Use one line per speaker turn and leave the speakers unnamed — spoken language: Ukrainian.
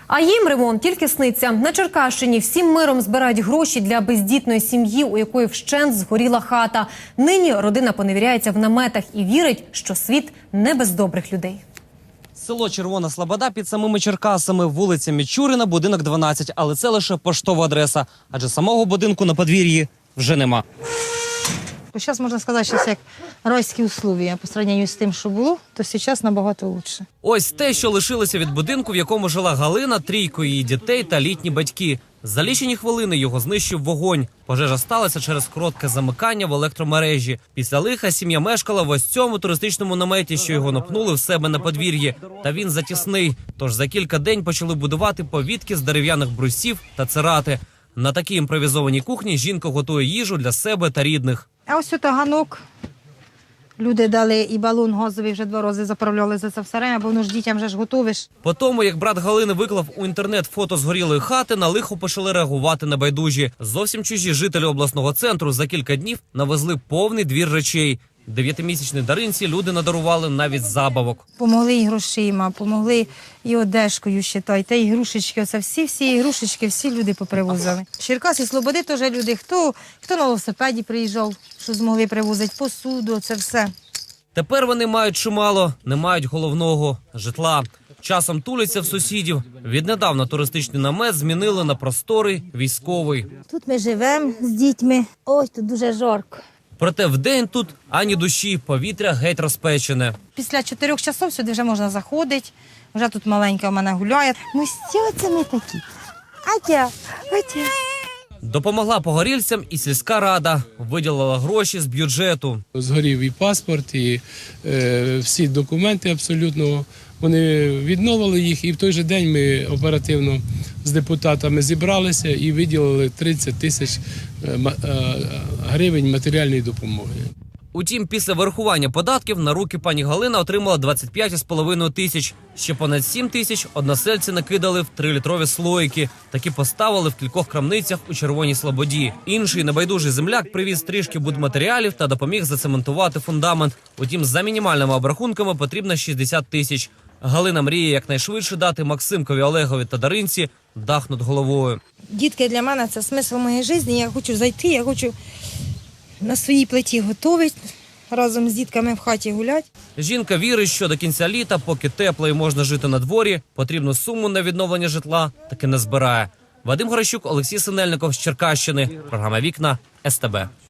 А їм ремонт тільки сниться. На Черкащині всім миром збирають гроші для бездітної сім'ї, у якої вщент згоріла хата. Нині родина поневіряється в наметах і вірить, що світ не без добрих людей.
Село Червона Слобода під самими Черкасами, вулиця Мічуріна, будинок 12. Але це лише поштова адреса, адже самого будинку на подвір'ї вже нема.
Зараз, можна сказати, що як райські условия по порівнянню з тим, що було, то зараз набагато краще.
Ось те, що лишилося від будинку, в якому жила Галина, трійко її дітей та літні батьки. За лічені хвилини його знищив вогонь. Пожежа сталася через коротке замикання в електромережі. Після лиха сім'я мешкала в ось цьому туристичному наметі, що його напнули в себе на подвір'ї. Та він затісний. Тож за кілька день почали будувати повітки з дерев'яних брусів та цирати. На такій імпровізованій кухні жінка готує їжу для себе та рідних.
А ось ото ганок. Люди дали і балон газовий вже 2 рази заправляли за це все время, бо воно ж дітям вже ж готовиш.
По тому, як брат Галини виклав у інтернет фото згорілої хати, на лихо почали реагувати небайдужі. Зовсім чужі жителі обласного центру за кілька днів навезли повний двір речей. 9-місячній Даринці люди надарували навіть забавок.
Помогли і грошима, помогли і одежкою, считайте, і ігрушечки. Оце всі ігрушечки, всі люди попривозили. Черкаси, Слободи теж люди. Хто на велосипеді приїжджав, що змогли привозити посуду, це все.
Тепер вони мають чимало, не мають головного – житла. Часом туляться в сусідів. Віднедавна туристичний намет змінили на просторий військовий.
Тут ми живемо з дітьми. Ой, тут дуже жарко.
Проте вдень тут ані душі, повітря геть розпечене.
Після 4 часов сюди вже можна заходити. Вже тут маленька в мене гуляє. Ну що це ми такі? Атя.
Допомогла погорільцям і сільська рада. Виділила гроші з бюджету.
Згорів і паспорт, і всі документи абсолютно. Вони відновили їх, і в той же день ми оперативно з депутатами зібралися і виділили 30 тисяч гривень матеріальної допомоги.
Утім, після вирахування податків на руки пані Галина отримала 25,5 тисяч. Ще понад 7 тисяч односельці накидали в 3-літрові слоїки. Такі поставили в кількох крамницях у Червоній Слободі. Інший небайдужий земляк привіз трішки будматеріалів та допоміг зацементувати фундамент. Утім, за мінімальними обрахунками потрібно 60 тисяч. Галина мріє якнайшвидше дати Максимкові, Олегові та Даринці дах над головою.
Дітки для мене – це смисл моєї життя. Я хочу зайти, я хочу на своїй плиті готувати, разом з дітками в хаті гуляти.
Жінка вірить, що до кінця літа, поки тепло і можна жити на дворі, потрібну суму на відновлення житла таки не збирає. Вадим Горощук, Олексій Синельников з Черкащини. Програма «Вікна», СТБ.